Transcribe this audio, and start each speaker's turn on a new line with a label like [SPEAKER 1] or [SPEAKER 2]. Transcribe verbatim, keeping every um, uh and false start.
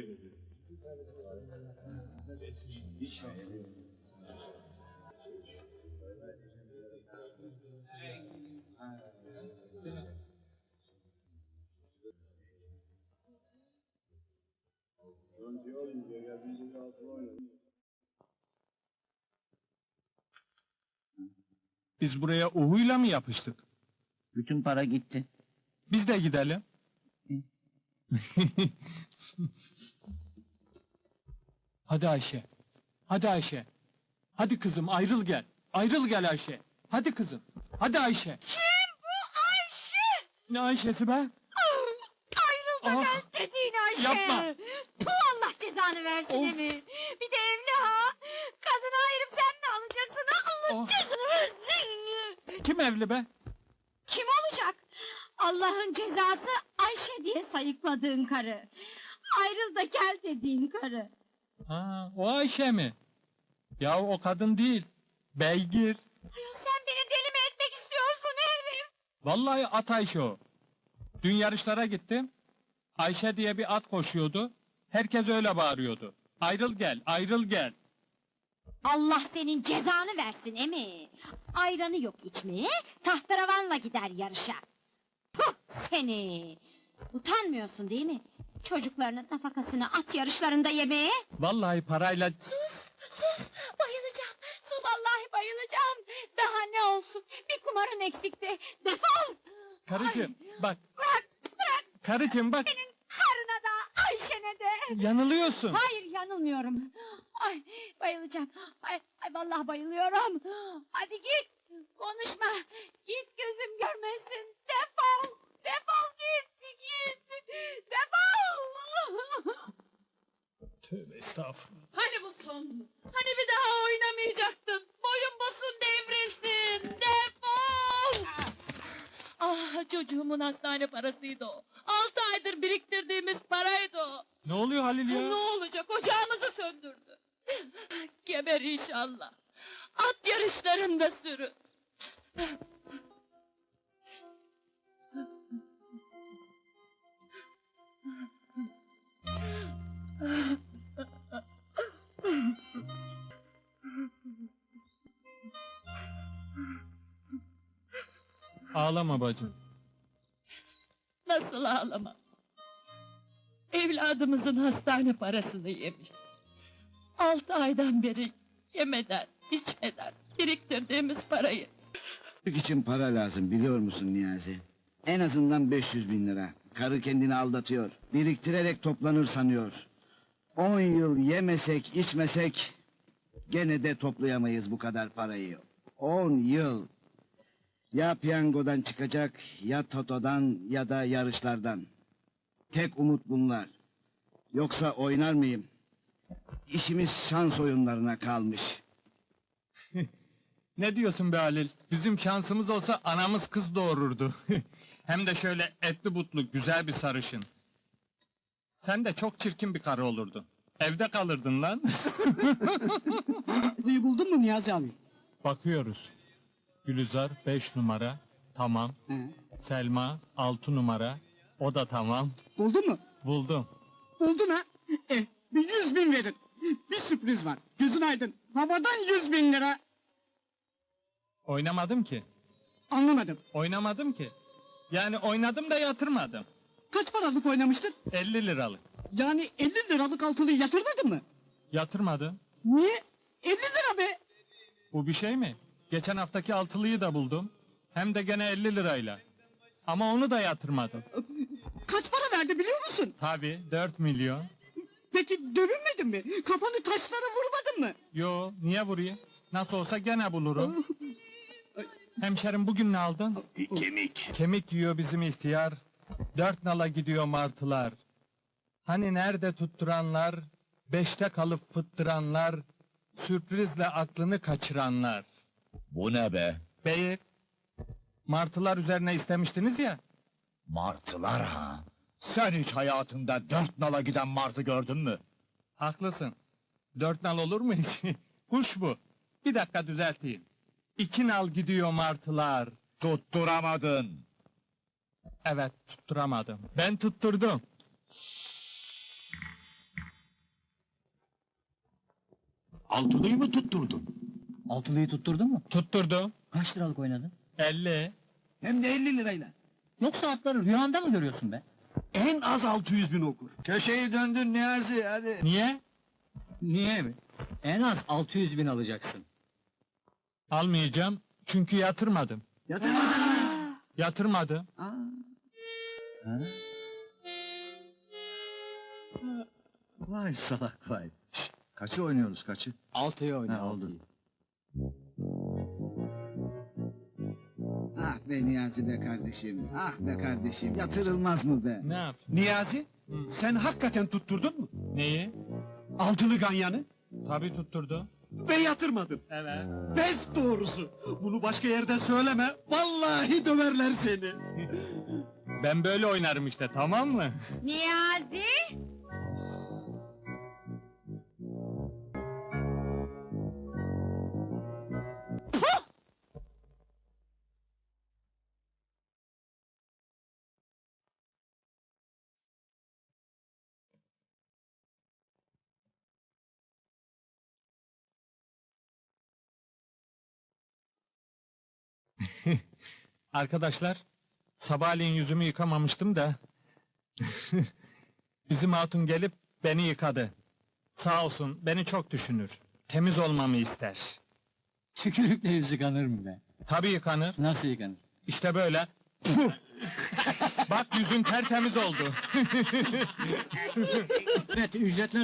[SPEAKER 1] Biz buraya uhuyla mı yapıştık?
[SPEAKER 2] Bütün para gitti.
[SPEAKER 1] Biz de gidelim. Hadi Ayşe. Hadi Ayşe. Hadi kızım ayrıl gel. Ayrıl gel Ayşe. Hadi kızım. Hadi Ayşe.
[SPEAKER 3] Kim bu Ayşe?
[SPEAKER 1] Ne Ayşe'si be?
[SPEAKER 3] Ayrıl da
[SPEAKER 1] Ah!
[SPEAKER 3] gel dediğin Ayşe.
[SPEAKER 1] Yapma!
[SPEAKER 3] Bu Allah cezanı versin
[SPEAKER 1] Of!
[SPEAKER 3] emi. Bir de evli ha. Kazını ayırıp sen mi alacaksın ha? Allah
[SPEAKER 1] Of!
[SPEAKER 3] cezanı versin.
[SPEAKER 1] Kim evli be?
[SPEAKER 3] Kim olacak? Allah'ın cezası Ayşe diye sayıkladığın karı. Ayrıl da gel dediğin karı.
[SPEAKER 1] Ha, o Ayşe mi? Ya o kadın değil. Beygir.
[SPEAKER 3] Ayol sen beni deli mi etmek istiyorsun herif?
[SPEAKER 1] Vallahi at Ayşe o. Dün yarışlara gittim. Ayşe diye bir at koşuyordu. Herkes öyle bağırıyordu. Ayrıl gel, ayrıl gel.
[SPEAKER 3] Allah senin cezanı versin emi. Ayranı yok içmeye, tahterevanla gider yarışa. Puh seni! Utanmıyorsun değil mi? Çocuklarının nafakasını at yarışlarında yemeye.
[SPEAKER 1] Vallahi parayla...
[SPEAKER 3] Sus, sus! Bayılacağım! Sus vallahi bayılacağım! Daha ne olsun? Bir kumarın eksikti. Defol!
[SPEAKER 1] Karıcığım bak,
[SPEAKER 3] Bırak, bırak!
[SPEAKER 1] karıcığım bak.
[SPEAKER 3] Senin karına da, Ayşe'ne de!
[SPEAKER 1] Yanılıyorsun.
[SPEAKER 3] Hayır yanılmıyorum. Ay bayılacağım. Ay, ay vallahi bayılıyorum. Hadi git. Konuşma. Git gözüm görmesin. Defol. Defol git. Git. Defol.
[SPEAKER 1] Tövbe estağfurullah.
[SPEAKER 4] Hani bu son? Hani bir daha oynamayacaktın? Boyun bosun devrilsin. Defol! Ah çocuğumun hastane parasıydı o. Altı aydır biriktirdiğimiz paraydı o.
[SPEAKER 1] Ne oluyor Halil ya?
[SPEAKER 4] Ne olacak ocağımızı söndürdü. Geber inşallah. At yarışlarında sürün.
[SPEAKER 1] Ağlama bacım.
[SPEAKER 4] Nasıl ağlamam? Evladımızın hastane parasını yemiş. Altı aydan beri yemeden, içmeden biriktirdiğimiz parayı.
[SPEAKER 2] Çocuk için para lazım biliyor musun Niyazi? En azından beş yüz bin lira. Karı kendini aldatıyor. Biriktirerek toplanır sanıyor. On yıl yemesek içmesek... ...gene de toplayamayız bu kadar parayı. On yıl. Ya piyangodan çıkacak, ya totodan ya da yarışlardan. Tek umut bunlar. Yoksa oynar mıyım? İşimiz şans oyunlarına kalmış.
[SPEAKER 1] Ne diyorsun be Halil? Bizim şansımız olsa anamız kız doğururdu. Hem de şöyle etli butlu güzel bir sarışın. Sen de çok çirkin bir karı olurdun. Evde kalırdın lan.
[SPEAKER 5] Burayı buldun mu Niyazi abi?
[SPEAKER 1] Bakıyoruz. Gülizar beş numara. Tamam.
[SPEAKER 5] He.
[SPEAKER 1] Selma altı numara. O da tamam.
[SPEAKER 5] Buldun mu?
[SPEAKER 1] Buldum.
[SPEAKER 5] Buldun ha? Eh, bir yüz bin verin. Bir sürpriz var. Gözün aydın. Havadan yüz bin lira.
[SPEAKER 1] Oynamadım ki.
[SPEAKER 5] Anlamadım.
[SPEAKER 1] Oynamadım ki. Yani oynadım da yatırmadım.
[SPEAKER 5] Kaç paralık oynamıştın?
[SPEAKER 1] elli liralık.
[SPEAKER 5] Yani elli liralık altılıyı yatırmadın mı?
[SPEAKER 1] Yatırmadım.
[SPEAKER 5] Niye? elli lira be.
[SPEAKER 1] Bu bir şey mi? Geçen haftaki altılıyı da buldum. Hem de gene elli lirayla. Ama onu da yatırmadım.
[SPEAKER 5] Kaç para verdi biliyor musun?
[SPEAKER 1] Tabii dört milyon.
[SPEAKER 5] Peki dövünmedin mi? Kafanı taşlara vurmadın mı?
[SPEAKER 1] Yo niye vurayım? Nasıl olsa gene bulurum. Hemşerim bugün ne aldın?
[SPEAKER 2] Kemik.
[SPEAKER 1] Kemik yiyor bizim ihtiyar. Dört nala gidiyor martılar. Hani nerede tutturanlar? Beşte kalıp fıttıranlar. Sürprizle aklını kaçıranlar.
[SPEAKER 6] Bu ne be?
[SPEAKER 1] Beyit. Martılar üzerine istemiştiniz ya.
[SPEAKER 6] Martılar ha? Sen hiç hayatında dört nala giden martı gördün mü?
[SPEAKER 1] Haklısın. Dört nal olur mu hiç? Kuş bu. Bir dakika düzelteyim. İki nal gidiyor martılar.
[SPEAKER 6] Tutturamadın.
[SPEAKER 1] Evet tutturamadım. Ben tutturdum.
[SPEAKER 7] Altılıyı mı tutturdun?
[SPEAKER 8] Altılıyı tutturdun mu?
[SPEAKER 1] Tutturdu.
[SPEAKER 8] Kaç liralık oynadın?
[SPEAKER 1] elli.
[SPEAKER 2] Hem de elli lirayla.
[SPEAKER 8] Yoksa atları rüyanda mı görüyorsun be?
[SPEAKER 7] En az altı yüz bin okur.
[SPEAKER 2] Köşeyi döndün Niyazi, hadi.
[SPEAKER 1] Niye?
[SPEAKER 8] Niye mi? En az altı yüz bin alacaksın.
[SPEAKER 1] Almayacağım. Çünkü yatırmadım.
[SPEAKER 2] Yatırmadın mı?
[SPEAKER 1] Yatırmadım.
[SPEAKER 2] Aa,
[SPEAKER 8] Ha?
[SPEAKER 7] Vay salak vay. Şş, kaçı oynuyoruz kaçı?
[SPEAKER 8] Altıyı oyna,
[SPEAKER 7] Ha, oldu.
[SPEAKER 8] altıyı.
[SPEAKER 2] ah be Niyazi be kardeşim, ah be kardeşim. Yatırılmaz mı be?
[SPEAKER 1] Ne yap?
[SPEAKER 7] Niyazi,
[SPEAKER 1] Hı.
[SPEAKER 7] sen hakikaten tutturdun mu?
[SPEAKER 1] Neyi?
[SPEAKER 7] Altılı ganyanı
[SPEAKER 1] Tabii tutturdu.
[SPEAKER 7] ve yatırmadın.
[SPEAKER 1] Evet.
[SPEAKER 7] Pes doğrusu. Bunu başka yerde söyleme. Vallahi döverler seni.
[SPEAKER 1] Ben böyle oynarım işte, tamam mı?
[SPEAKER 3] Niyazi!
[SPEAKER 1] Arkadaşlar, sabahleyin yüzümü yıkamamıştım da... Bizim hatun gelip beni yıkadı. Sağ olsun, beni çok düşünür. Temiz olmamı ister.
[SPEAKER 8] Tükürükle yüz yıkanır mı be?
[SPEAKER 1] Tabii yıkanır.
[SPEAKER 8] Nasıl yıkanır?
[SPEAKER 1] İşte böyle. Puh! Bak yüzün tertemiz oldu.
[SPEAKER 5] Evet, ücretler